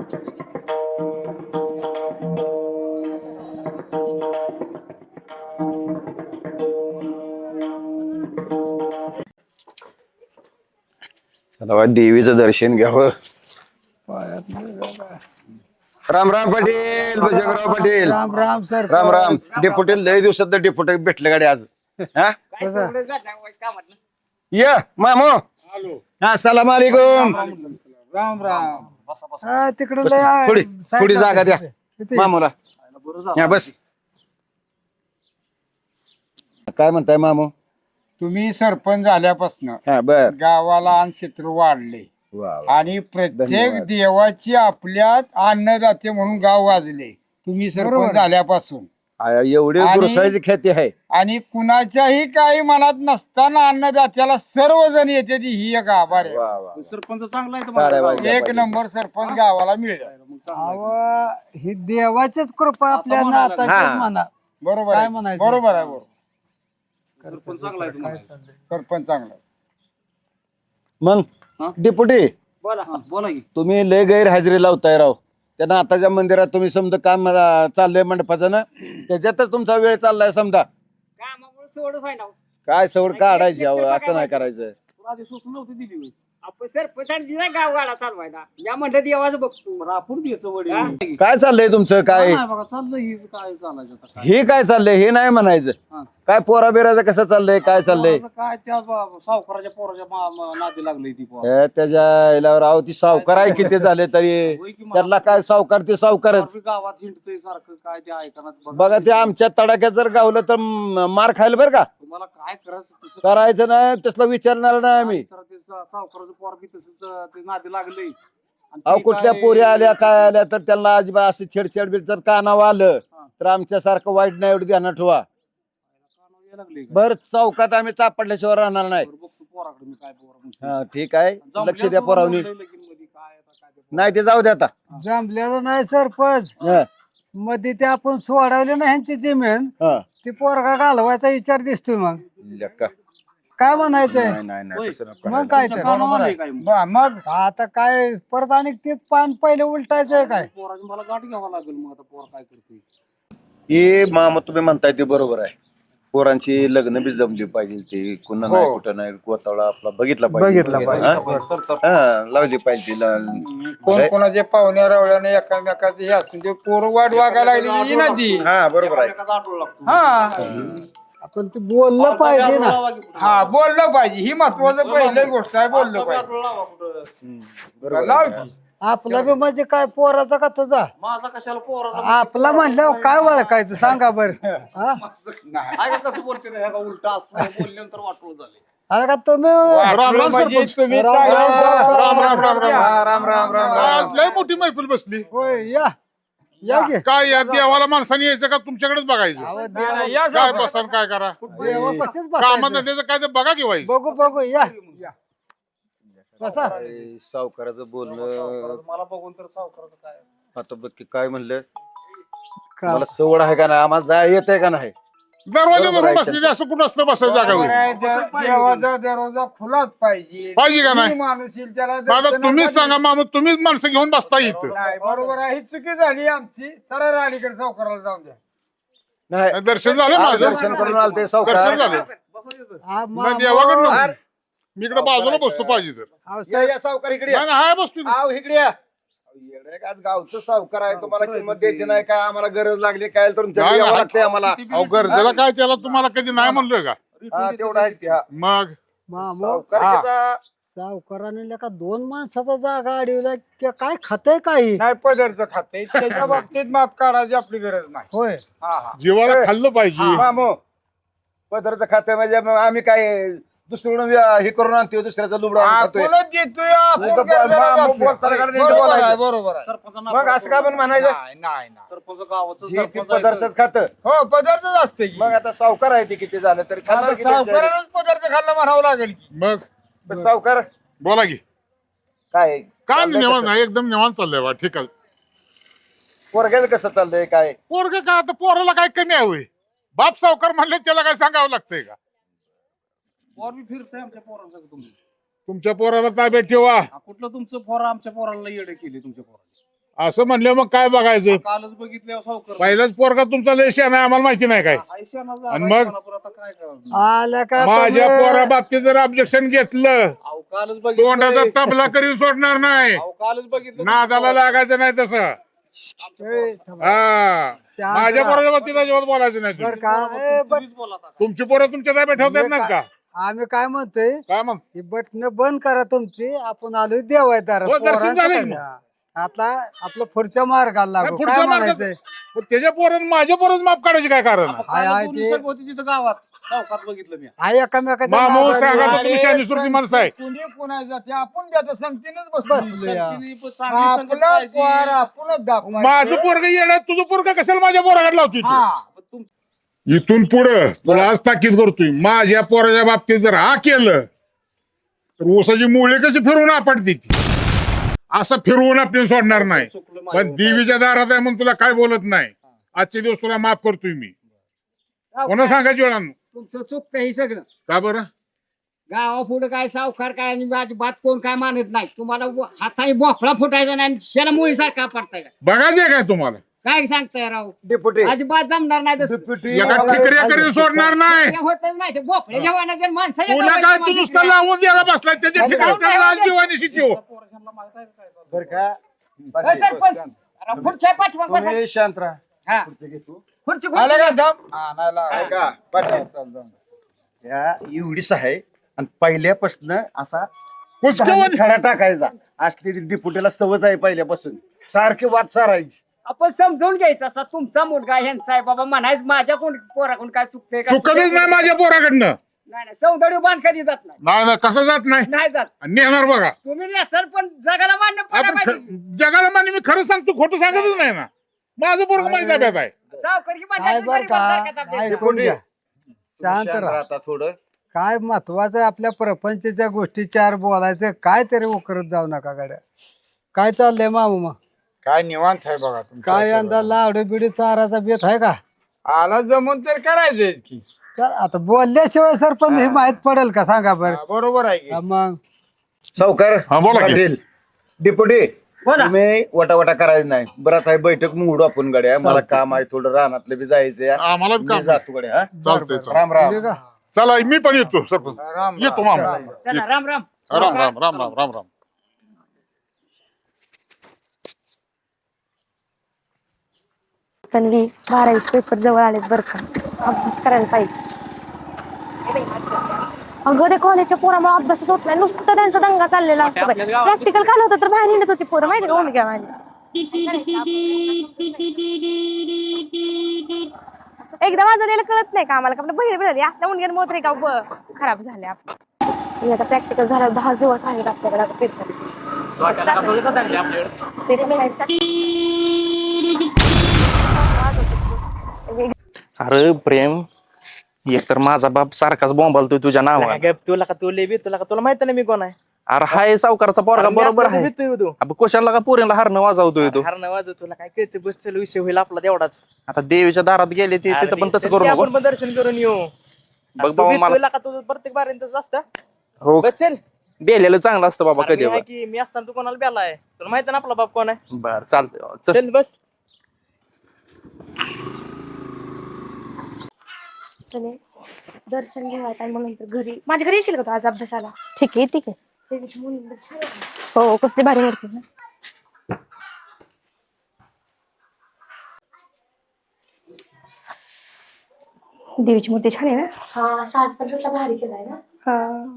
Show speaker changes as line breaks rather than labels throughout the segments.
चला देवीचं दर्शन घ्यावं. राम राम पाटील, भजंगराव पाटील.
राम राम सर.
राम राम. डेपुटी लय दिवसात डेपुटी भेटले गाडी आज. हा या मामो. हा सलाम अलैकुम.
राम राम. तिकडे
थोडी थोडी जागा द्या मामूला. या बस. काय म्हणताय मामू?
तुम्ही सरपंच झाल्यापासून
हा बर.
गावाला अन्न क्षेत्र वाढले
वा वा.
आणि प्रत्येक
धन्यवाद.
देवाची आपल्यात अन्नदाते म्हणून गाव वाजले तुम्ही सरपंच झाल्यापासून.
एवढी
आणि-
गुरुसाईची ख्याती आहे.
आणि कुणाच्याही काही मनात नसताना अन्नदात्याला सर्वजण येते ती ही एक आभार आहे.
वा वा.
सरपंच चांगला आहे
टाळ्या वाजल्या
एक
पाहिजे.
नंबर सरपंच गावाला मिळाला.
ही देवाचीच कृपा आपल्या
हा.
नाताची म्हणा.
बरोबर
काय
आहे
म्हणायचं?
बरोबर आहे बरोबर.
सरपंच चांगला आहे तुम्हाला.
सरपंच चांगला आहे.
मग डेपुटी
बोला की
तुम्ही लय गैरहजेरी लावताय राव. त्यांना आताच्या मंदिरात तुम्ही समजा काम चाललंय मंडपाचं ना, त्याच्यातच तुमचा वेळ चाललाय समजा. काय सवड काढायची अहो, असं नाही करायचं.
आधी सूचना नव्हती दिली होय.
आपण सरपंचाने दिला गावगाडा चालवायला या म्हणलं देवाचं बघतो
रापूर द्यायचं वडील
काय चाललंय तुमचं काय?
नाही बघा चाललं हीच काय चालायचं आता काय.
हे काय चाललंय हे नाही म्हणायचं.
हा.
काय पोरा बिराचं कसं चाललंय काय चाललंय?
आता काय त्या सावकाराच्या पोराच्या नादी लागली ती पोर.
त्याच्या याला राव ती सावकार आहे किती झाले तरी
होय की मग.
त्यातला काय सावकार ते सावकारच.
गावात हिंडतंय सारखं काय ते ऐकणार
बघा ते आमच्या तडाख्यात जर गावलं तर मार खायला बरं का.
तुम्हाला काय करायचं तसं
करायचं नाही तसला विचारणार नाही आम्ही.
जरा ते सावकाराचं पोर बी तसंच ते नादी लागलंय आणि
अहो
ती
कुठल्या
काय-
पोरी आल्या काय आल्या तर त्यांना अजिबात असं छेडछाड बिड जर कानावर आलं तर आमच्यासारखं वाईट नाही एवढं ध्यानात ठेवा.
कानावर यायला लागलंय का?
बर चौकात आम्ही चापडल्याशिवाय राहणार नाही.
बरं, बघतो पोराकडे मी काय पोर म्हणतो.
हा ठीक आहे
जमल्या
लक्ष द्या
सोडून
पोरावनी.
म्हणलंय लगीनमध्ये काय आता काय ते पोर.
नाही ते जाऊ द्या आता.
जमलेलं नाही सरपंच.
हा,
मध्ये ते आपण सोडवले ना ह्यांची जमीन
हा.
ते पोरगा घालवायचा विचार दिसतोय. मग
लेका.
काय म्हणायचंय?
नाही नाही नाही तसं नको
मग
करायला.
काय
तुमच्या
तर
कानावर आलंय काय मग?
मग
आता काय परत आणि तेच पान पहिले उलटायचंय काय?
पोराची मला गाठ घ्यावा लागेल मग आता पोर काय करते.
हे मामा तुम्ही म्हणताय ते बरोबर आहे. पोरांची लग्न बी जमली पाहिजे. ते कुणा नाही कुठं नाही गोतावळा आपला बघितला
बघितला पाहिजे.
हा, लावली पाहिजे
कोण कोणाचे पाहुण्या रवळ्याने एकामेकाचे हे असून ते पोरं वाट वागायला लागली ही नदी.
हा बरोबर आहे.
एकाचा आठवडा लागतो.
हा
आपण ते बोललं पाहिजे ना.
हा बोललं पाहिजे ही महत्वाचं पहिली गोष्ट आहे. बोललं पाहिजे.
आठवडा लावा कुठं.
बरोबर
लाव
आहे.
की.
आपला बी म्हणजे काय पोराचा का तुझा?
माझा कशाला पोराचा
आपला म्हणल्यावर काय ओळखायचं सांगा बर. हा?
काय का कसं बोलते ना ह्या का उलटा असं बोलल्यानंतर वाटवं झाले.
अरे का तुम्ही
वाटलं म्हणजे तुम्ही
राम
चांगलं
राम
बोलता.
राम राम.
हा, राम राम राम राम.
आज लय मोठी मैफिल बसली.
होय या या की.
काय या देवाला माणसाने यायचं का तुमच्याकडेच बघायचं?
नाही, नाही, या
काय
साहेब.
बसा काय करा?
देवा कसेच
कामात
बसायचं.
त्याचं काय ते बघा की वाईस.
बघू बघू या बसा.
काय सावकाराचं बोलणं
मला बघून तर सावकाराचं काय
आता बघ की काय म्हणलं.
का-
मला सवड आहे का नाही आम्हाला जाय येत आहे का नाही.
दरवाजा
बरोबर
धरून
आहे
बसलेली असं कुठं असतं बसायचं
बरोबर
जागावर?
आहे. देवाचा दरवाजा खुलाच पाहिजे.
पाहिजे का नाही?
जी माणूस येईल त्याला
आता
दर्शनाला
तुम्हीच सांगा मामा, तुम्हीच माणसं घेऊन बसता इथं.
नाही बरोबर आहे. ही चुकी झाली आमची. सरळ अलीकडे सावकाराला जाऊन द्या.
नाही
दर्शन झालं
आज
माझं.
दर्शन करून आलते
दर्शन
सावकार.
झालं.
हा,
मग देवाकडे नको. मी इकडे बाजूला बसतो पाहिजे तर.
या या सावकार इकडे या.
नाही नाही, हाय बसतो इकडे.
आव इकडे या. येडे का आज गावचं सावकार आहे तुम्हाला किंमत द्यायची नाही काय आम्हाला गरज लागली काय तर तुमच्या
नाही,
यावं
नाही.
लागतंय आम्हाला.
अहो गरजेला काय त्याला तुम्हाला कधी नाही म्हणलोय का?
हा तेवढं आहेच की. हा
मग
मामो
सावकाराचा
सावकाराने का दोन माणसाचा जागा अडवला की काय खातय काही?
नाही पदरचं खाते त्याच्या बाबतीत माफ काढायची आपली गरज नाही.
होय
हा हा
जीवाला खाल्लं पाहिजे.
मामो पदरचं खातं म्हणजे मग आम्ही काय दुसरीकडून हे करून आणतो दुसऱ्याचा लुबडा खातोय.
आपणच देतोय, आपण
उगाच
गरजेला
मग
जातोय.
बोलताना का नीट
बरोबर
बोलायचं.
आहे, बरोबर आहे.
सरपंचांना
मग असं का पण म्हणायचं
नाही नाही नाही.
सरपंच गावाचं
जी ती
सरपंच आहे.
पदार्थच खातं.
हो पदार्थच असते की.
मग आता सावकार आहे ते किती झालं तरी खाणार
आता
की त्यांच्या-
सावकारालाच पदार्थ खाल्ला म्हणावं लागेल की.
मग
पण सावकार
बोला की.
काय
काय
चाललंय
निवांत
कसं?
नाही, एकदम निवांत चाललंय बा. ठीक आहे.
पोरग्याचं कसं चाललंय काय?
पोरग काय आता पोराला काय कमी आहे होय? बाप सावकार म्हणले त्याला काय सांगावं लागतंय का?
पोर बी फिरतंय आमच्या पोरांसंग तुमचं.
तुमच्या पोराला ताब्यात ठेवा.
कुठलं तुमचं पोर आमच्या पोराला येडे केले तुमच्या पोराला.
असं म्हणलं मग काय बघायचं
कालच बघितल्यावर सावकार
पहिलाच पोरगा तुमचा लय शहाणा आहे आम्हाला माहिती नाही काय
आयुष्यानं
आणि मग?
आता काय करावं
आल्या का
माझ्या
तुम्ही?
पोरा बाबतीत जर ऑब्जेक्शन घेतलं
अहो कालच बघितलं
तोंडाचा तबला करीन सोडणार नाही
अहो कालच बघितलं
नादाला लागायचं नाही तसं
ए, थांबा.
हा
शांत
माझ्या
राहा.
पोराच्या बाबतीत अजिबात बोलायचं नाही
बरं
तुम्ही.
का ए,
तुम्हीच बोला आता.
तुमची पोरं तुमच्या ताब्यात ठेवतात नाहीत का
आम्ही काय म्हणतोय
काय मग
ही बटन बंद करा तुमची आपण आलोय देवायदार
हो, दर्शन झालं की मग.
आता आपलं पुढच्या मार्गाला लागू
नाही, पुढच्या
काय
मार्गात-
म्हणायचंय
मग त्याच्या पोरण माझ्या पोरच माफ काढायची काय कारण
आता
हाय,
काल
हाय,
दोन्ही
ते-
संघ होती तिथं गावात चौकात बघितलं मी
हा एकामेकाच्या
मामू
नादात
सांगा
लागला.
तर तुम्ही शानी सुरती माणसं आहे
कुणी कुणाच्या ते आपण बी आता संगतीनच बसलो
संगतीने पण चांगली संगत
आपला
पाहिजे.
पोर आपणच दाखवायचं.
माझं पोरग येणार तुझं पोरग कशाला माझ्या पोराकडे लावतोय तू?
हा
पण तुम-
इथून पुढं तुला आज ताकीद करतोय माझ्या पोराच्या बाबतीत जर हा केलं तर ऊसाची मुळे कशी फिरवून आपटते ती असं फिरवून आपण सोडणार नाही
चुकलं
पण
माझ्यावर.
देवीच्या दारात आहे म्हणून तुला काय बोलत नाही आजचे दिवस तुला माफ करतोय मी कोणा सांगायची वेळा
तुमचं चुकतं हे सगळं
का बरं
गावा पुढे काय सावकार काय आणि बात कोण काय मानत नाही तुम्हाला हाताने बोफळा फुटायचा नाही आणि शेला मुळीसारखा पडताय
बघायचंय काय तुम्हाला
काय सांगताय राव
डेपुटी
अजिबात जमणार नाही तसं.
एका ठिकऱ्या करीन सोडणार नाही
ते होतच नाही ते बोफळ्याच्या वाहनात माणसाच्या
तुला काय
गावाची
तू
माणसं
नुसतं लावून द्यायला बसलाय त्याच्या ठिकाणी त्याला आज जीवानीशी ठेव
पोरांना माहित आहे काय चालू?
बरं का
होय, सरपंच अरे पुढच्या पाठवा बसा.
तुम्ही शांत राहा
हा. खुर्ची
आलं
खुर्ची
का दम आणायला
ऐका पाटील या एवढीच आहे आणि पहिल्यापासून असा
कुचक्यावानी.
खडा टाकायचा असली डिपुटीला सवय आहे पहिल्यापासून सारखी वाद सारायची
आपण समजावून घ्यायचं असता तुमचा मुलगा ह्यांचा आहे बाबा म्हणायचं माझ्या कोण पोराकडून काय चुकतंय का
चुकतच नाही माझ्या पोराकडनं
नाही नाही सौंदर्य बांध कधी जात नाही
नाही नाही, कसं जात नाही
नाही जात
आणि नेणार बघा
तुम्ही नेसर पण जगाला मान्य पडायला
आपण
पाहिजे
जगाला मान्य मी खरं सांगतो खोटं सांगतच नाही ना माझं पोरग माझ्या ताब्यात आहे
सावकारी
काय
मान्य
बर का
गरीबांसारखा
ऐकून घ्या शांत
शांत
राहा
राहता थोडं
काय महत्वाचं आहे आपल्या प्रपंचच्या गोष्टी चार बोलायचं काय तरी उकरत जाऊ नका गाड्या काय चाललंय मामा
काय निवांत आहे बघा तुमचं
काय
सगळं.
यंदा लावडे बिडी चाराचा बेत आहे का
आला जमून तर करायचंय की
आता बोलल्याशिवाय सरपंच हे माहित पडेल का सांगा बरं
हा, बरोबर आहे की.
हा, मग
सावकार
हा, बोला की.
पाटील डिपुटी
बोला.
तुम्ही वटावटा करायचं नाही बरं आता बैठक मोडू आपण गड्या मला काम आहे थोडं रानातलं बी जायचंय
आम्हाला बी काम
मी जातो गड्या हा
चालतंय चालतंय.
राम राम
ठीक आहे.
चला मी पण येतो सरपंच
राम
येतो मामा
चला राम राम
राम राम राम राम राम राम
तन्वी 12वी पेपर जवळ आलेत बरं का अभ्यास करायला पाहिजे अगं ते कॉलेजच्या पोरामुळे अभ्यासच होत नाही नुसतं त्यांचा दंगा चाललेला असतो प्रॅक्टिकल काल होतं तर बाहेर हिंडत होती पोरं माहिती का ओंडक्या माझ्या एकदा वाजवलेलं कळत नाही का आम्हाला का आपलं बहिर बिळाली असल्या उंडग्यान मोतरे का खराब झाले आपले आता प्रॅक्टिकल झालं 10 दिवस आहेत आपल्याकडे आता पेपर
अरे प्रेम एकतर माझा बाप सारखाच बोंबालतोय तुझ्या नावाने
तुला का तुला माहित नाही मी कोण आहे
अरे हाय सावकारचा पोरगा बरोबर आहे अब कशाला का पोरीला हारणं वाजवतोय तू
हर नवाज तुला काय कळते बस चल विषय होईल आपला तेवढाच
आता देवीच्या दारात गेले ते तिथं पण तसं करू नको
आपण पण दर्शन करून येऊ
बघ बाबा मला
तुला का तुझं प्रत्येक बारींच असतं
हो
बस चल
बेलेलं चांगलं असतं बाबा
अरे
कधी
मी आहे की मी असताना तू कोणाला बेलाय तुला माहित ना आपला बाप कोण आहे
बर चालतंय चल
चल बस
दर्शन घेऊया मग नंतर घरी माझ्या घरी येशील का तू आज अभ्यासाला ठीक आहे देवीची मुली छान आहे. हो कसली भारी मूर्ती ना देवीची मूर्ती छान आहे ना हा साज पण कसला भारी केलाय ना हा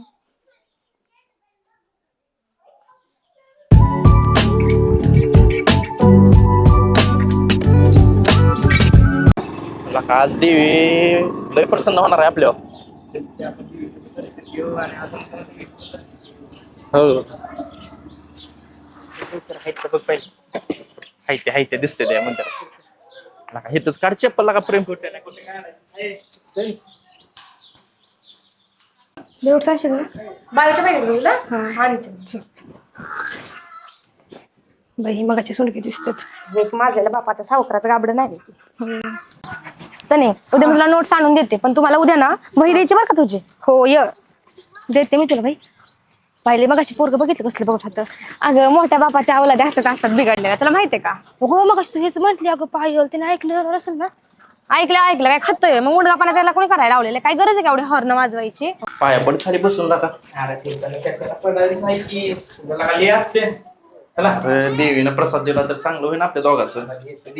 तुला का आज देवी लय प्रसन्न होणार आहे आपल्यावर हो
बघ पाहिजे
हाय ते दिसते त्या मंदिरात हिथंच काढ चप्पल का प्रेम
देऊट सांगशील ना बायोच्या बॅगेत घेऊला हा आणते बाई मगाची सुनकी दिसतात एक माझ्याला बापाचा सावकाराचं गाबडं नाही तने उद्या मी तुला नोट्स आणून देते पण तुम्हाला उद्या ना वही द्यायची बरं का तुझी हो य देते मी तुला भाई पहिले मग अशी पोरग बघितलं कसलं बघत होतं. अगं मोठ्या बापाच्या अवलादे हातात असतात बिघडलेल्या, तुला माहितीये का? हो मग हेच म्हटली अगं पायल, तिने ऐकलं असेल ना. ऐकलं काय खातोय मग मुडगापणा त्याला कोणी करायला लावलेलं? काय गरज आहे का एवढे हॉर्न वाजवायची?
पाया पण खाली बसून नका.
असते
देवीनं प्रसाद दिला तर चांगलं होईल आपल्या दोघांचं.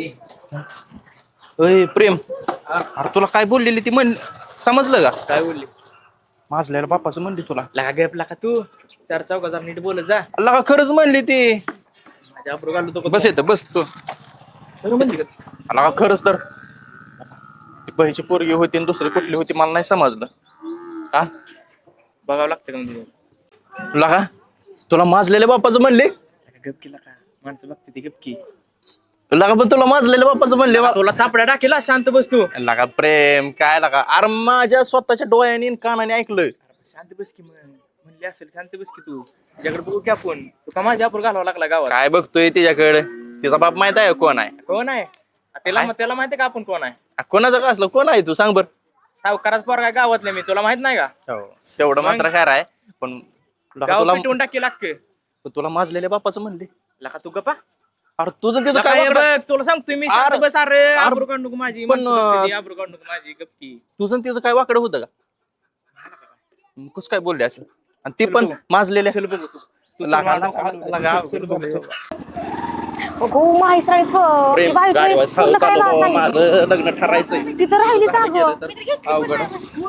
ओय प्रेम, अरे तुला काय बोललेली ती म्हण समजलं का?
काय बोलली?
माझल्याला बापाचं म्हणली तुला.
लगा गप लका तू 4 चौकाचा नीट बोलत जा.
लगा खरंच म्हणली ती.
माझ्या अप्रू घालू तो
बस येतं बस तू.
म्हणजे
लगा खरंच तर ती बहीची पोरगी होती आणि दुसरी कुठली होती मला नाही समजलं. हा
बघावं लागतं का म्हणजे?
लगा तुला माजलेल्या बापाचं म्हणले.
गपकी लका माणसं बघते ती गपकी.
लगा पण तुला माजलेल्या बापाचं म्हणले.
तुला थापड्या टाकेला शांत बस तू.
लगा प्रेम काय लगा, अरे माझ्या स्वतःच्या डोळ्याने आणि कानाने ऐकलं.
शांत बस की म्हणली असेल शांत बस की तू. तुझ्याकडे बघू की आपण. तू का माझ्या अप्रू घालावं लागला गावात?
काय बघतोय तिच्याकडे? तिचा बाप माहित आहे कोण आहे?
कोण आहे? त्याला माहिती का आपण कोण आहे?
कोणाचं का असलं कोण आहे तू सांग बर.
सावकाराच पोरगा गावातले मी, तुला माहित नाही का?
तेवढं मात्र खरं आहे पण लगा
गाव
तुला
पिटवून टाकी लागते.
तुला माजलेल्या बापाचं म्हणले.
लका तू गप्पा.
अरे तुझं त्याचं
लका
काय
हे
वाकडं?
बघ, तुला सांगतोय मी
अरे,
शांत बस. अरे आबरू काढू नको माझी.
पण,
माणसं बघते ती, आबरू काढू नको माझी गपकी.
तुझं आणि त्याचं काय वाकडं होतं का? कसं काय बोलले असं? आणि ते पण माजलेल्या
चल बघू तू.
हो माहेश्राणी
प्रेम गाडीवास खाऊ चालू बाबा, माझं लग्न ठरायचंय.
तिथं राहिलीच अगं.
अवघड.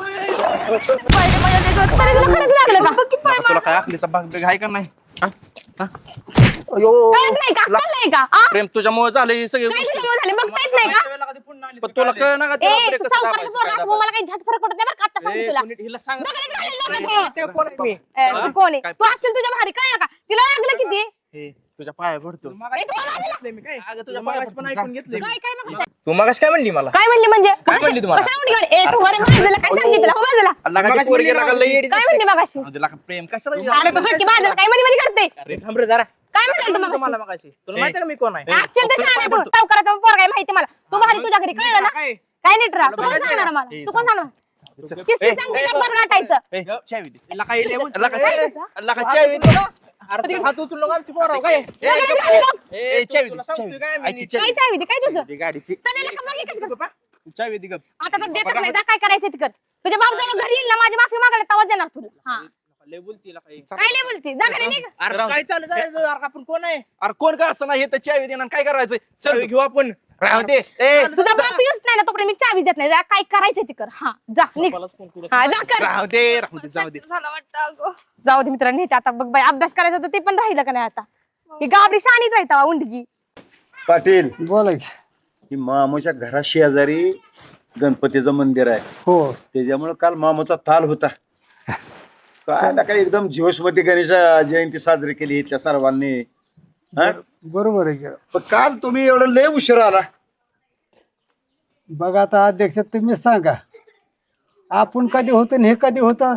लागलं का?
तुला काय आखलीचा भाग बिग आहे का नाही? हा? हा?
कळत नाही का? कळत नाही का? आ?
प्रेम तुझ्यामुळे झालं हे सगळे
काय
गोष्टी.
तुझ्यामुळे झाले बघता येत नाही का?
पण तुला कळ ना का
ए,
त्याला
तू
ब्रेक कसं
सावकाराचं
दाबायचं,
पोरगा
काय
असं मला काही झट फरक पडत नाही बरं का आता सांगते तुला.
हिला सांग.
दगडात घालेल नका तू.
ते कोण आहे मी?
तू कोण आहे? तू असेल तुझ्या भारी कळलं का? तिला लागलं किती?
हे, तुझ्या पाया पडतो.
ए, तू मला लागलं.
मी काय?
अगं, तुझ्या
तुझ्या
पाया
पण
पडतो.
ऐकून घेतलंय मी.
काय मग?
तू मगाशी काय म्हणली मला?
काय म्हणली म्हणजे?
काय म्हणली तुम्हाला?
कशाला उडी काढ? ए तू घरी बाजूला काय सांगितलं? हो बाजूला.
लगा ती
मगाशी
पोरगी
म्हणली
लगा
ना,
लई येडी
काय
दिसते.
म्हणली मगाशी?
अरे लगा प्रेम कशाला
अरे तू हटकी बाजूला काय मध्ये मध्ये करते?
अरे थांब रे जरा.
काय म्हणाल तू
मला
मगाशी?
मगाशी तुला माहिती का मी कोण आहे?
ऍक्च्युअल तर शहाणा आहे तू. सावकाराचा पोरगा आहे माहिती मला. तू भारी तुझ्या घरी कळलं ना?
काय?
काय नीट राहा. तू कोण सांगणार मला? तू कोण सांगणार? शिस्तीत सांगते ना बरं गाठायचं.
ए, चावी दे.
हिला काय येईल?
लगा
काय करायचं?
लगा चावी दे.
अरे तू हात उचलू नका आमची पोरं, काय?
लग्न झालं बघ.
ए, चावी
तुला
दे,
सांगतोय
चावी
काय
दे.
मी?
ऐक, चावी
काय
दे.
चावी दे? काय तुझं?
दे गाडीची.
चालेल का? मागे कसं कसं?
तू चावी दे गप.
आता तर देतच नाही. जा काय करायचं ते कर. तुझ्या बाप जवळ घरी येईल ना माझी माफी मागायला तेव्हा देणार तुला. हा.
लय बोलती हिला काही.
काय लय बोलते? जा घरी निघ.
अरे काय चाललं जायचं? अरे आपण कोण आहे?
अरे कोण का असं नाही हे तर चावी देणार काय करायचं?
चावी
चल
घेऊ आपण.
राहू दे. ए,
तुझा बाप येऊच नाही ना तोपर्यंत मी चावी देत नाही. जा काय करायचं ते कर. हा जा निघ.
बापालाच फोन करू.
हा जा कर.
राहू दे राहू दे जाऊ दे.
झालं वाटतं अगं. जाऊ दे मित्रांनी हे आता बघ बाई अभ्यास करायचा होता ते पण राहिलं का नाही आता. ही गाबडी शाणीच राहता उंडगी.
पाटील
बोला की.
ही मामूच्या घरा शेजारी गणपतीचं मंदिर आहे.
हो
त्याच्यामुळे काल मामूचा ताल होता. काय ना काय एकदम जीवस्मती गणेश जयंती साजरी केली इथल्या सर्वांनी. हा?
बरोबर आहे की.
पण काल तुम्ही एवढं लय उशीर आला.
बघा आता अध्यक्ष तुम्ही सांगा आपण कधी होतो आणि हे कधी होतं.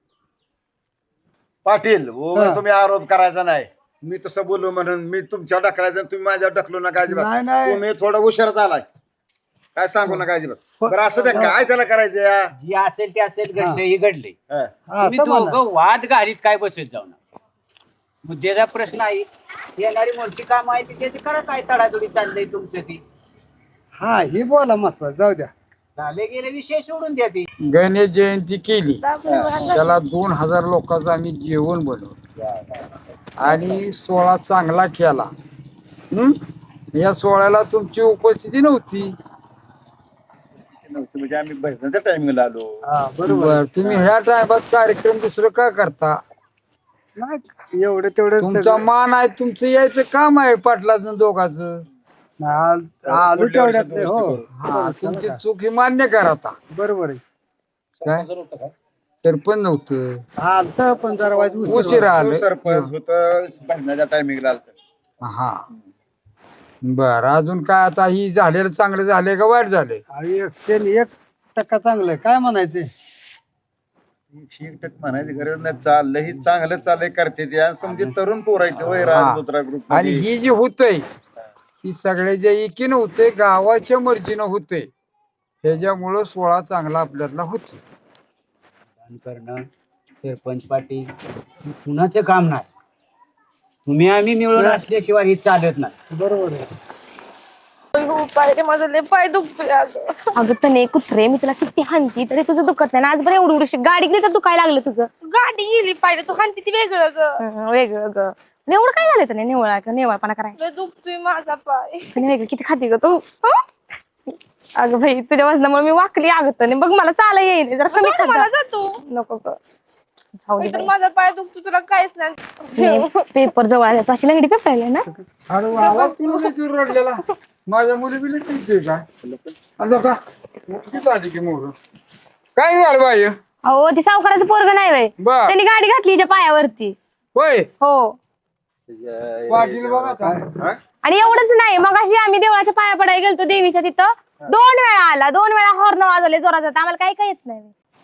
पाटील
हा.
तुम्ही आरोप करायचा नाही. मी तसं बोललो म्हणून मी तुमच्या ढकलायचं तुम्ही माझ्या ढकलू नका
नाही,
अजिबात.
नाही.
तुम्ही थोडा उशीरच आलाय. काय सांगू नका अजिबात. बरं असं द्या काय त्याला करायचं या.
जी असेल ते असेल घडले हे घडले.
हा.
हा,
तुम्ही
असं म्हणा.
दोघं वाद घालीत काय बसत जाऊ नका. मुद्द्याचा प्रश्न आहे येणारी मोठी काम आहे ती त्याची करा काय तडातोडी चाललंय तुमचं ती.
हा हे बोला महत्वाचं जाऊ द्या.
झाले गेले विषय सोडून द्या ती.
गणेश जयंती केली त्याला 2000 लोकांचं आम्ही जेवण बनवलं आणि सोहळा चांगला केला. या सोहळ्याला तुमची उपस्थिती नव्हती.
म्हणजे आम्ही भजनाच्या टायमिंगला आलो.
हा बरोबर.
बर तुम्ही ह्या टायमात कार्यक्रम दुसरं का करता?
नाही एवढं तेवढं
तुमचा
सगळं-
मान आहे तुमचं यायचं काम आहे पाटलाचं दोघांचं.
आलो तेवढ्यात नाही, हो
हा तुमची चूक ही मान्य करा आता.
बरोबर आहे.
काय सरपंच नव्हतं
हा आलतं पण जरा वाईट
उशीर आलं.
सरपंच होत भजनाच्या टायमिंगला आलत.
हा बर अजून काय आता ही झालेलं चांगलं झालंय का वाईट झालंय?
101% चांगलं आहे. काय म्हणायचे
101% म्हणायची गरज नाही. चाललंय ही चांगलं चाललंय करते ते. आणि समजे तरुण पोर आहेत वय
हा.
राजपुत्रा ग्रुप
आणि ही जी होतंय ती सगळ्याच्या एकीनं होते गावाच्या मर्जीनं होते. ह्याच्यामुळं सोहळा चांगला आपल्याला होतो.
करणं सरपंच पाटील हे कुणाचं काम नाही. तुम्ही आम्ही मिळून असल्याशिवाय हे चालत नाही.
बरोबर आहे.
माझं लय पाय दुखतोय अगं तने कुत्रे मी तुला किती हानती तरी तुझं दुखत नाही ना. आज बरं एवढी एवढी गाडी गेली तर दुखायला लागलं तुझं. गाडी गेली पाहिजे तू हानती ती वेगळं ग वेगळं ग. आणि एवढं काय झालं तने निवळपणा करायला दुखतोय माझा पाय. आणि वेगळं किती खाती ग तू. अगं भाई तुझ्या वजनामुळे मी वाकली अगं तने बघ मला चाला येईल जरा कमी खात जातो नको ग. माझा पाय दुखतो तुला काहीच नाही. पेपर जवळ आला तू अशी लंगडी पेपायला ना.
अरे आवाज तुला किती रडलेला. माझ्या मुली बिली तुमचे काय आता का किती आली की मोर काय झालं बाई.
अहो ती सावकाराचं पोरग नाही वय
बर
त्यांनी गाडी घातली हिच्या पायावरती.
होय
हो
पाटील बघा आता.
आणि एवढंच नाही मग अशी आम्ही देवळाच्या पाया पडायला गेलतो देवीच्या तिथं 2 वेळा आला 2 वेळा हॉर्न वाजवले जोरात आम्हाला काही येत नाही.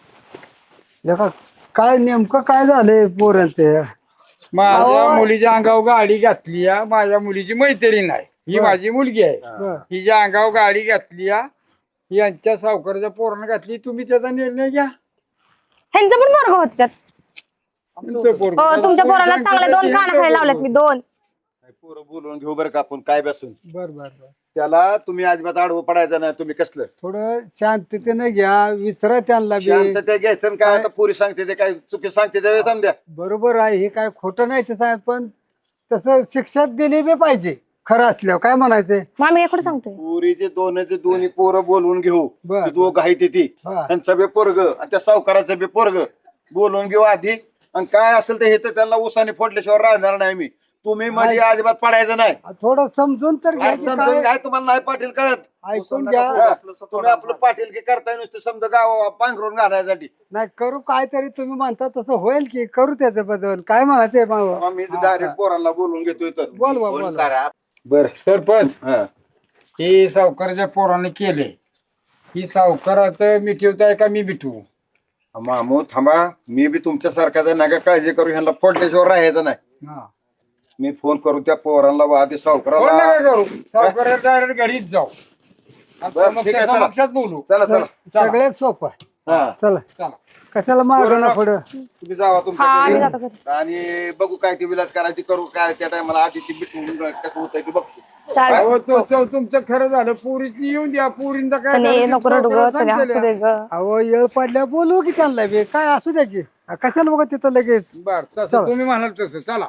लेका, काय नेमकं काय झालंय पोरांचं?
माझ्या मुलीच्या अंगावर गाडी घातली या. माझ्या मुलीची मैत्रीण आहे ही माझी मुलगी आहे. हिच्या अंगावर गाडी घातली या. यांच्या सावकाराच्या पोरानं घातली. तुम्ही त्याचा निर्णय घ्या.
ह्यांचं पण पोरग होत त्यात.
तुमचं पोरगं.
हो तुमच्या पोराला चांगले 2 कान खायला लावलेत मी 2.
पोरं बोलवून घेऊ बरं का आपण काय बसून.
बर बर बर.
त्याला तुम्ही अजिबात आडवं पडायचं नाही. तुम्ही कसलं
थोडं शांततेने घ्या विचारा त्यांना बी.
शांतता घ्यायचं आणि काय आता पुरी सांगते ते काय चुकी सांगते ते समजा.
बरोबर आहे हे काय खोटं नाही ते सांग पण तसं शिक्षा दिली बी पाहिजे खरं असल्यावर काय म्हणायचंय.
मग आम्ही एकडे सांगतोय
पुरीचे दोन्ही पोरं बोलवून घेऊ.
बर.
ते दोघं आहे ती
हा.
त्यांचं बी पोरग आणि त्या सावकाराचं बी पोरग बोलवून घेऊ आधी. आणि काय असेल तर हे तर त्यांना उसाने फोडल्याशिवाय राहणार नाही मी. तुम्ही मध्ये अजिबात पडायचं नाही.
थोडं समजून तर घ्या
आज
की
समजून
काय.
काय तुम्हाला नाही पाटील कळत.
ऐकून घ्या.
हा, तुम्ही आपलं पाटील की करताय नुसतं समजा गाव पांघरून घालायसाठी.
नाही करू काहीतरी तुम्ही म्हणता तसं होईल की करू त्याच्या बद्दल काय म्हणायचंय बाबा.
मी डायरेक्ट पोरांना बोलून घेतोय तर.
बोल बा बोल.
बर
सरपंच
हा
हे सावकाराच्या पोराने केले. ही सावकाराचं मिठवताय का मी मिठवू.
मामू थांबा. मी बी तुमच्यासारखाच नका काळजी करू. ह्यांना फोडल्याशिवाय राहायचं नाही.
हा.
मी फोन करू त्या पोरांना आधी
कोण
सावकाराला.
नका करू. सावकाराला डायरेक्ट घरीच जाऊ.
बरं, ठीक आहे, चला.
समक्षात बोलू.
चला चला
सगळ्यात सोपं आहे.
हा
चला
चला.
कशाला मागं ना पुढं.
तुम्ही जावा
हा आम्ही
तुमच्या
जातो घरी.
आणि बघू काय ती विलास करायची करू. काय त्या टायमाला आधी ती बिटून कसं होतंय ते बघतो.
चालेल.
अहो, तुमचं खरं झालं. पोरीची येऊन द्या. पोरींना काय
तने
झालं ते
नको रडू ग
सावकाराला
तने
सांगतेल्या.
हसू दे ग.
अहो येळ पडल्या बोलू की त्यांना बी काय असू द्याची. कशाला बघा तिथं लगेच.
बर तसं
चला.
तुम्ही म्हणाल तसं चला.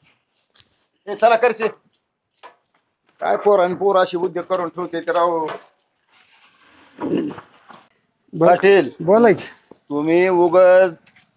हे चला करचे. काय पोर अशी उद्योग करून ठेवते तर राव. पाटील
बोला की.
तुम्ही उगाच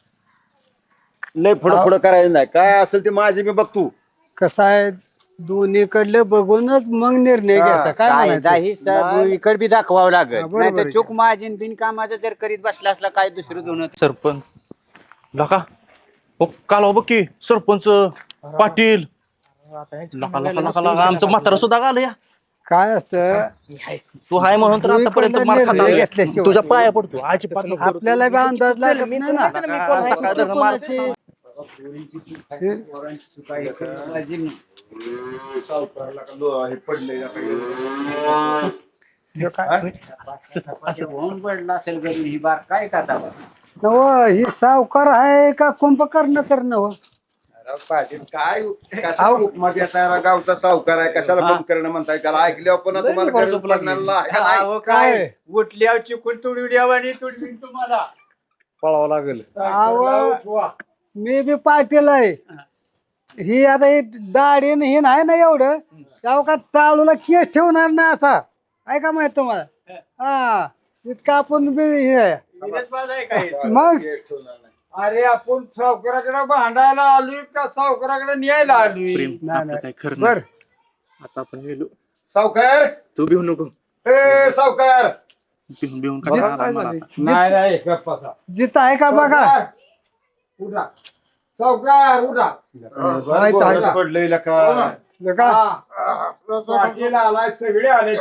लय पुढं करायचं नाही. काय असेल ते माझी मी बघतो.
कसं आहे दोन्हीकडले बघूनच मग निर्णय घ्यायचा काय म्हणायचं.
इकडे बी दाखवावं लागेल
बरोबर
नाही तर
आहे.
चूक माझी बिनकामाचं जर करीत बसला असला काय दुसरं दोन.
सरपंच लका ओ काल बघ की सरपंच पाटील लका लका लका लका आमचं म्हातारा सुद्धा आलं या.
काय असतं
तू हाय म्हणून तर आतापर्यंत मार खात
निर्णय
आलोय.
घेतल्याशिवाय.
तुझ्या पाया पडतो आजी
आपल्याला बी अंदाज लागत नाही ना.
सकाळ धरणं मार.
हे पडलंय
होऊन पडला असेल घरी ही बार काय करता.
नव ही सावकार आहे का कुंभकर्ण तर नव.
पाटील काय कशाला उपमा देताय. गावचा सावकार आहे कशाला बंद करणं म्हणताय. त्याला ऐकल्यावर पण तुम्हाला गरज पडणार नाही.
काय उठल्यावर चिकून तुडवी द्यावा आणि तुडवी तुम्हाला
पळावं लागेल.
अहो, मी बी पाटील आहे. ही आता ही दाढी न हे नाही ना एवढं तेव्हा का टाळूला केस ठेवणार ना असा आहे का माहित तुम्हाला. हा इतका आपण बी हे आहे. मग
अरे आपण सावकाराकडे भांडायला आलोय का सावकाराकडे न्यायला आलोय.
नाही, नाही.
काय खरं
बर
नाही. आता आपण गेलो.
सावकार
तू भिवू नको.
ए सावकार
भिवून भिवून
काय
काय
झालं?
नाही नाही गप्पाचा.
जिथं आहे का बघा.
सावकार, उठा सावकार उठा.
माहित आहे का?
पडलंय लका.
बघा.
हा. पाटील आलाय सगळे आले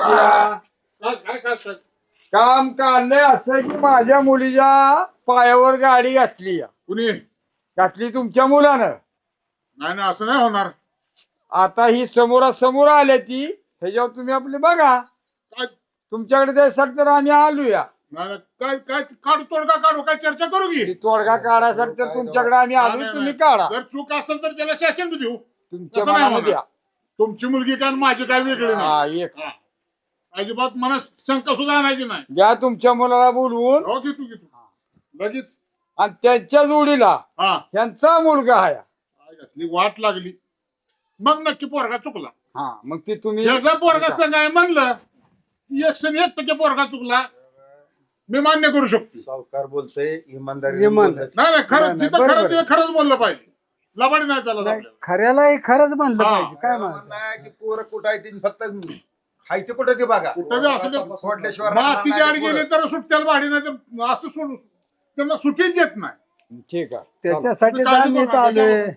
काम काढलंय असं की माझ्या मुलीच्या पायावर गाडी घातली
कुणी
घातली तुमच्या मुलानं.
नाही ना असं नाही होणार.
आता ही समोरासमोर आल्या ती ह्याच्यावर तुम्ही आपले बघा.
काय
तुमच्याकडे त्यासाठी तर आम्ही आलोया.
नाही नाही, काय काय काढू तोडगा काढू काय चर्चा करू की
ती तोडगा काढायसाठी तर तुमच्याकडे आम्ही आलो,
नाही,
तुम्ही
नाही.
काढा.
जर चूक असेल तर त्याला शासन देऊ.
तुमच्या
तसं नाही
मनानं
होणार.
द्या.
तुमची मुलगी काय आणि माझी काय वेगळी
हा
नाही
एक
हा. अजिबात मनात शंका सुद्धा आणायची नाही.
घ्या तुमच्या मुलाला बोलवून
हो घेतो लगेच.
आणि त्यांच्या जोडीला
हा
यांचा मुलगा आहे.
काय घातली वाट लागली मग नक्की पोरगा चुकला.
हा मग ते तुम्ही
याचा पोरगा संघ आहे म्हणलं 101% पोरगा चुकला मी मान्य करू शकतो.
सावकार बोलतोय इमानदारी
इमानदार.
नाही नाही खरं
नाही,
तिथं
बरोबर
खरं
आहे.
तिथं खरंच बोललं पाहिजे. लबाडी नाही चालत
नाही,
आपल्याला.
खऱ्यालाही खरंच म्हणलं
हा.
पाहिजे काय म्हणत
नाही की पोरं कुठं आहे ती फक्त हायते कुठं ते बघा
कुठं बी असू दे.
सोडल्याशिवाय राहणार
मातीची
नाही
आड
पोरं.
गेली तर सुट्ट्याला भाडी नाही तर असं सोडू त्यांना सुट्टीच देत नाही.
ठीक आहे.
त्याच्यासाठी
तुम्ही काळजी
आम्ही
करू नका,
आलोय.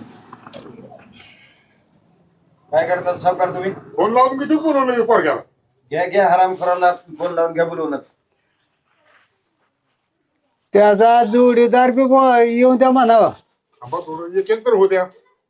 काय करतात सावकार तुम्ही?
फोन लावून किती बोलवलं पोरग्याला.
घ्या हराम करायला फोन लावून घ्या बोलवूनच.
त्याचा जोडीदार बी येऊन द्या म्हणावा.
थांबा थोडं एक तर होऊ द्या.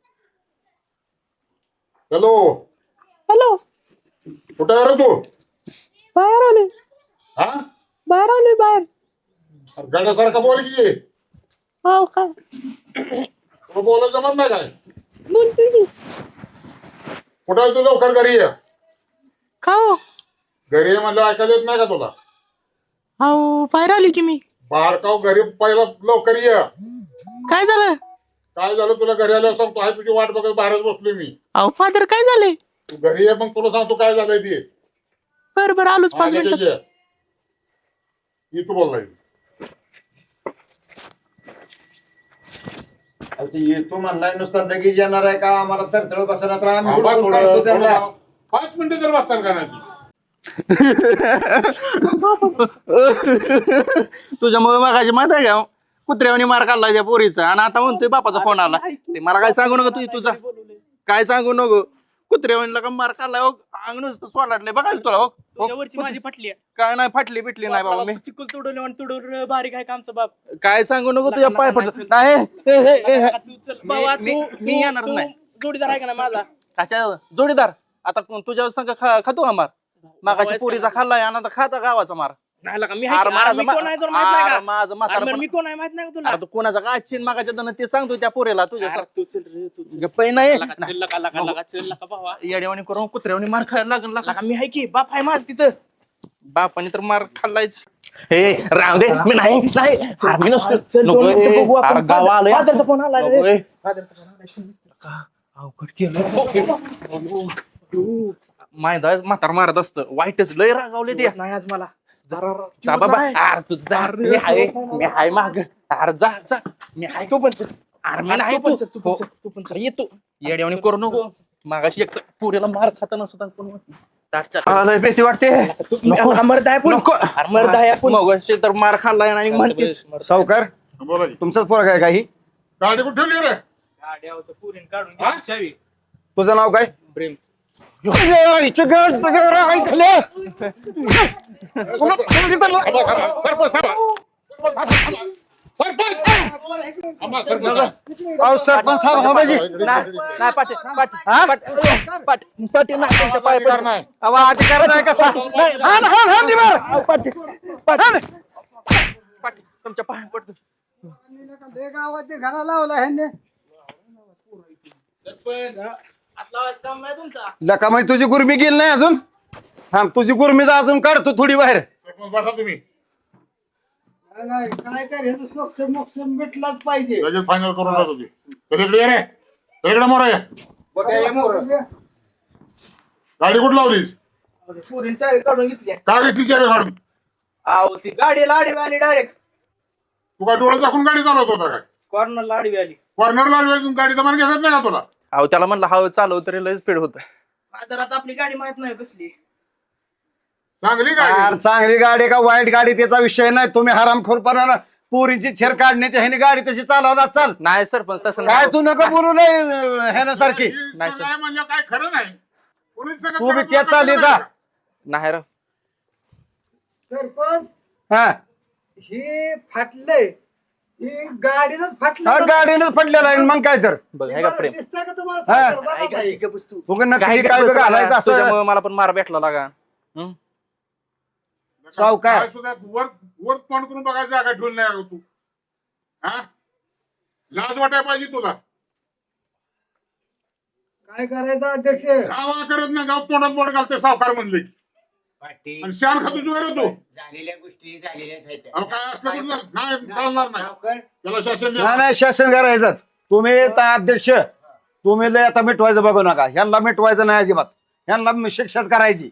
हॅलो
हॅलो,
कुठं आहे रे तू?
बाहेर आले,
हा
बाहेर आले, बाहेर.
गाड्यासारखा बोल की
हो काय
तुला बोलायचं जमत नाही काय?
बोलते की.
कुठं आहे तू? लवकर घरी ये.
का हो?
घरी ये म्हणलं ऐकायला येत नाही का तुला?
अहो बाहेर आली की मी.
बाळकाव घरी पहिला लवकर ये.
काय झालं?
काय झालं तुला घरी आल्यावर सांगतो. आहे तुझी वाट बघत बाहेरच बसलोय मी.
अहो फादर काय झालंय?
तू घरी ये मग तुला सांगतो काय झालंय ते.
बरं बरं आलोच 5 मिनिटात.
ये तू बोललाय.
तू म्हणलाय नुसता लगेच येणार आहे का आम्हाला तरतळ बसणार तर आम्ही
थांबा
हुडकून
थोडं,
काढतो त्यांना.
थोडं 5 मिनिटं जर बसताल का नाही?
तुझ्यामुळे मगाशी माहित आहे का कुत्र्यावानी मार काढला त्या पोरीचा आणि आता म्हणतोय बापाचा फोन आला. ते मला काय सांगू नको तुझा काय सांगू नको. कुत्र्यावानीला का मार काढलाय हो, अंग नुसतं सोलाटलंय बघा तुला हो.
तुझ्यावरची माझी फाटली आहे.
काय नाही फाटली बिटली नाही बाबा मी.
चिकल तुडवले आणि तुडवलं बारीक आहे का आमचा बाप.
काय सांगू नको तुझ्या पाय फटलं नाही. हे, हे, हे, हे.
तू चल बाबा,
मी येणार
तू
नाही.
जोडीदार आहे का ना माझा?
कशा जोडीदार आता तुझ्या संग खातो का मार? मागाशी पोरीचा खाल्लाय आणि आता खाता गावाचा मार.
नाही लका, मी
अरे
आहे की? अरे मी
माझं
कोण आहे तुला माहित नाही
अरे
का?
माझं
अरे
म्हातारं
बरं,
पण-
मी कोण आहे माहित नाही का तुला?
अरे तू कोणाचा काय चिन मागाच्या दन ते सांगतो त्या पोरीला तुझ्या
अरे तू चल रे, तू चल.
गप्पा नाही
लका, चल लका, लका, लका, चल लका भावा.
येड्यावानी करून कुत्र्यावानी मार खायला लागला
लका, मी आहे की बाप आहे माझ तिथं.
बापाने तर मार खाल्लायच. हे राव दे मी नाही नाही अरे मी नसतो.
चल,
नको,
2 मिनिटं
ए,
बघू आपण.
अरे गाव आलंय.
फादरचा फोन आला रे.
नको, ए.
फादरचा फोन आला, चल.
अवघड केलं. मायदा म्हातार मारत असतं वाईटच लय रागावले ते.
नाही आज मला
जरा जा बाबा. अरे तू जा. मी हाय माग. अरे जा जा मी हाय तो पण चल. अरे मी नाही
तू पण चल,
तू
तू पण चल, तू पण चल.
येतो येड्यावानी करू नको. मागाशी एक पुरेला मार खाताना सुद्धा कोण लय भीती वाटते.
मर्द आहे पण.
नको.
अरे मर्द आहे आपण.
मगाशी तर मार खाल्लाय आणि म्हणतेच
सावकार
बोला की.
तुमचाच पोरगा आहे काही?
गाडी कुठे ठेवली रे?
गाड्या होतं पुरीन काढून
हा?
घे चावी.
तुझं नाव काय?
प्रेम.
सरपंच साहेब हो बाजी.
नाही पाटी पाटी पाटी नाही तुमच्या पाय पडणार नाही.
अहो, अधिकार नाही कसा हान हान हान निभार.
पाटी पाटी पाटी तुमच्या पाय पडतो.
लय गावात ते घरा लावला ह्यांनी.
लका म्हणजे तुझी गुरमी गेली नाही अजून. थांब तुझी गुरमीचा अजून काढतो थोडी बाहेर.
बसा तुम्ही
नाही काय कर ह्याचं सोक्ष मोक्ष भेटलाच पाहिजे.
लगेच फायनल करून जातो ती. इकडे ये रे इकडे मोरा ये. गाडी कुठं लावलीस?
पुरीन चावी काढून घेतली.
का घेतली चावी काढून?
अहो ती गाडी लाडवी आली डायरेक्ट.
तू काय डोळा दाखवून गाडी चालवत होता काय?
कॉर्नर लाडवी आली.
कॉर्नरला गाडीचा मान घेतात नाही का तुला?
अहो त्याला म्हणलं हवं चालव तरी लय स्पीड होत.
आता आपली गाडी माहित नाही कसली.
चांगली
यार
गाडी.
चांगली गाडी का वाईट गाडी त्याचा विषय नाही. तुम्ही हरामखोरपणानं पोरींची छेर काढण्याची ह्याने गाडी तशी चालवला चाल.
नाही सर पण तसं
काय
नाही.
तू नको बोलू नाही ह्यानं सारखी.
नाही सर.
नाही म्हणजे काय खरं नाही. पोलीस सगळं
तू बी
करत
त्याच
नाही
चालली
का?
जा.
नाही रे.
सरपंच
हा
ही फाटलंय. ही गाडीनच फाटलं.
हा, गाडीनंच पडलेला आहे मग काय तर
बघ हे का प्रेम.
दिसतंय का तुम्हाला?
हा.
साखर बघा ताई.
उगा नक्की काय बी घालायचं असं.
तुझ्यामुळे मला पण मार भेटला लागा.
सावकार
काय सुद्धा वर वर तोंड करून बघायचं जागा ठेवली नाही अगं तू. हा लाज वाटायला पाहिजे तुला.
काय करायचं अध्यक्ष?
गावा करत नाही, गाव तोंडात बोट घालते सावकार म्हणले की.
पाटील
आणि शान खातो जुगार होतो.
झालेल्या गोष्टी झालेल्याच आहेत.
अहो काय असलं कुठलं नाही चालणार नाही.
सावकार
त्याला शासन
नाही नाही शासन करायचं. तुम्ही आता अध्यक्ष तुम्ही लय आता मिटवायचं बघू नका. ह्यांना मिटवायचं नाही अजिबात. ह्यांना शिक्षाच करायची.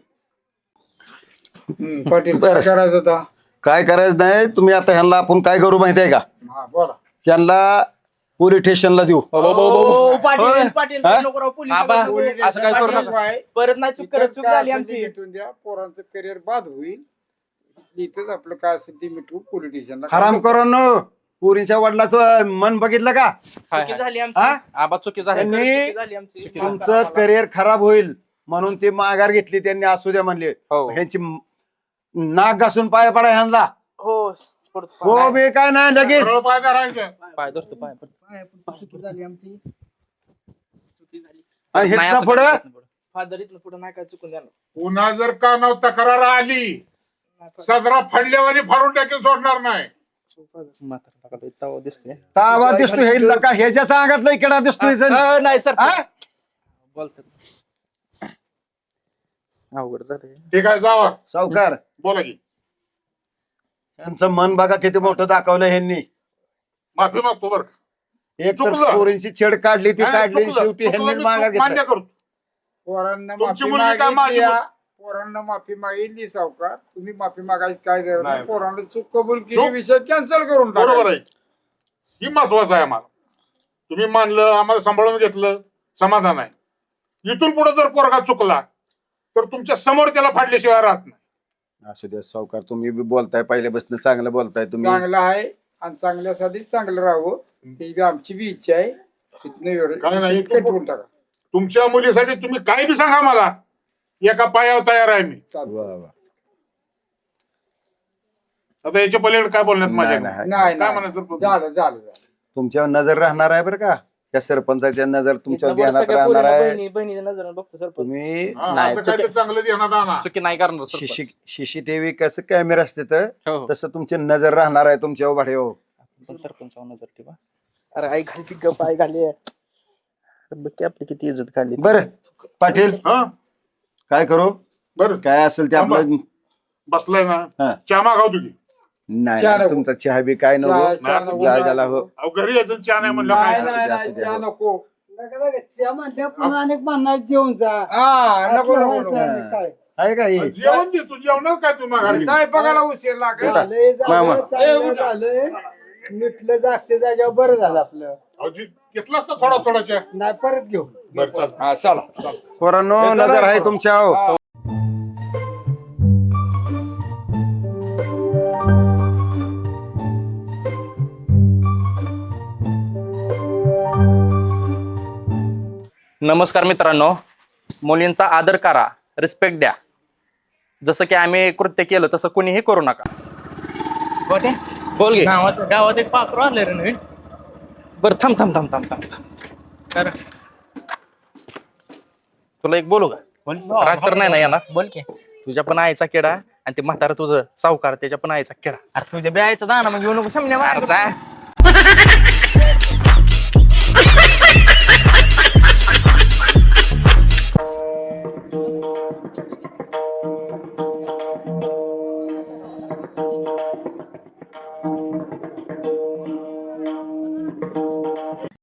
पाटील काय करायचं होता?
काय करायचं नाही. तुम्ही आता ह्यांना आपण काय करू माहिती आहे का?
हा बोला.
ह्यांना पोलीस स्टेशनला देऊ.
पाटील पाटील
हा?
नको राव, पोलीस
आबा,
नको.
असं काय करू नका.
परत नाही चूक करत, चूक झाली आमची.
मिटून द्या, पोरांचं करिअर बाद होईल. इथंच आपलं काय असेल ते मिटवू पोलिटिशियनला.
हराम करून पोरींच्या वडिलाचं मन बघितलं का?
चुकी झाली आमची.
हा?
आबा चुकी झाली.
त्यांनी
चुकी झाली आमची.
तुमचं करिअर खराब होईल म्हणून ती माघार घेतली. त्यांनी असू द्या म्हणले.
हो.
ह्यांची नाक घासून पाय पडा ह्यांना.
हो
हो बे काय नाही लगेच.
सरळ पाय धरायचं.
पाय धरतो पाय.
चुकी झाली आमची. चुकी झाली.
आणि
नाही
हिथनं
असं
पुढं
करत नाही.
फादर इथनं पुढे नाही काय चुकून द्या.
पुन्हा जर कानाव तक्रार आली सदरा फाडल्यावानी फाडून टाकेल, सोडणार नाही.
म्हातारा बघा, तवा दिसते.
तावा दिसतो हे लका ह्याच्या अंगातला किडा दिसतोय जण.
नाही सर
हा?
बोलतात अवघड झालं.
ठीक आहे जावा.
सावकार
बोला की.
यांचं मन बघा किती मोठं दाखवलं ह्यांनी.
माफी मागतो बरं का.
एक तर
चुकलं.
पोरींची छेड काढली ती
नाही,
काढली
चुकलं.
शेवटी
चुकलं
ह्यांनी
मी
माघार
चूक मान्य
घेतली.
करतो.
पोरांना
तुमची
माफी
मुलगी काय
मागितली.
माझी
पोरांना माफी मागितली सावकार. तुम्ही माफी मागायची काय गरज नाही.
नाही.
पोरांना चूक कबूल केली,
चूक-
विषय कॅन्सल करून टाका.
बरोबर आहे. ही महत्वाचं आहे आम्हाला. तुम्ही मानलं, आम्हाला सांभाळून घेतलं, समाधान आहे. इथून पुढे जर पोरगा चुकला तर तुमच्या समोर त्याला फाडल्याशिवाय राहत नाही.
असू द्या सावकार, तुम्ही बी बोलताय पहिल्यापासून चांगलं बोलताय तुम्ही.
चांगलं आहे आणि चांगल्यासाठी चांगलं राहावं ही बी आमची बी इच्छा आहे. तिथनं एवढं
काय नाही,
विषय कटवून टाका.
तुमच्या मुलीसाठी तुम्ही काय बी सांगा मला, एका पायावर तयार आहे मी.
वा, वा.
आता याच्या पलीकडे काय बोलण्यात माझ्या
नाही, नाही.
नाही
काय
नाही.
म्हणायचं?
झालं
तुमच्यावर नजर राहणार आहे बरं का? त्या सरपंचाच्या नजर तुमच्या
इथनं बरं
ध्यानात
सगळ्या
राहणार
पोरींना
आहे.
बहिणीच्या नजरेनं बघतो सरपंच.
तुम्ही
हा,
नाही,
असं काय ते चांगलं ध्यानात आणा.
चुकी नाही करणार सरपंच.
सीसीटीव्ही कसं कॅमेरा असते तर
हो, हो.
तसं तुमची नजर राहणार आहे तुमच्या उभाठे. हो
पण सरपंचावर नजर ठेवा. अरे आई घाली की गप, आई घाली. बघ की आपली किती इज्जत काढली.
बरं पाटील
हा
काय करू?
बरं
काय असेल ते आपलं.
बसलाय
हा.
ना, चहा मागाव तुझी.
नाही
चहा
नाही,
नको.
तुमचा चहा बी काय नको.
चहा नको.
ज्या ज्याला हो.
अहो घरी यायचं चहा नाही म्हणलं
नाही
काय.
नाही
असू
नाही
द्या,
चहा
हो.
नको.
नका नका, चहा म्हणल्या पुन्हा अनेक म्हणणार जेवून जा.
हा नको
असलं
नको
व्हायचं
नको.
आणि काय?
आहे का हे?
जेवण दे, तू जेवणार काय तू माघारी?
स्वयंपाकाला उशीर लागेल.
झालंय,
मामा.
झालं, चांगलं झालंय. मिटलं जागते जाग्यावर बरं झालं आपलं.
अहो, घेतला असता थोडा थोडा चहा.
नाही परत घेऊ.
बरं चाल.
हा चला.
पोरांनो नजर आहे तुमच्या. हो
नमस्कार मित्रांनो, मुलींचा आदर करा, रिस्पेक्ट द्या. जसं की आम्ही कृत्य केलं तसं कुणीही करू नका.
गोट्या,
बोल घे.
गावात एक पात्र आलं रे नवीन.
बरं थांब थांब थांब थांब थांब.
तर
तुला एक बोलू का? राग तर नाही ना येणार?
बोल की.
तुझ्या पण आईचा किडा आणि ते म्हातारा तुझं सावकार त्याच्या पण आईचा किडा.
अरे तुझ्या ब्यायचा दाना मग घेऊ नको सामने
अरे जा.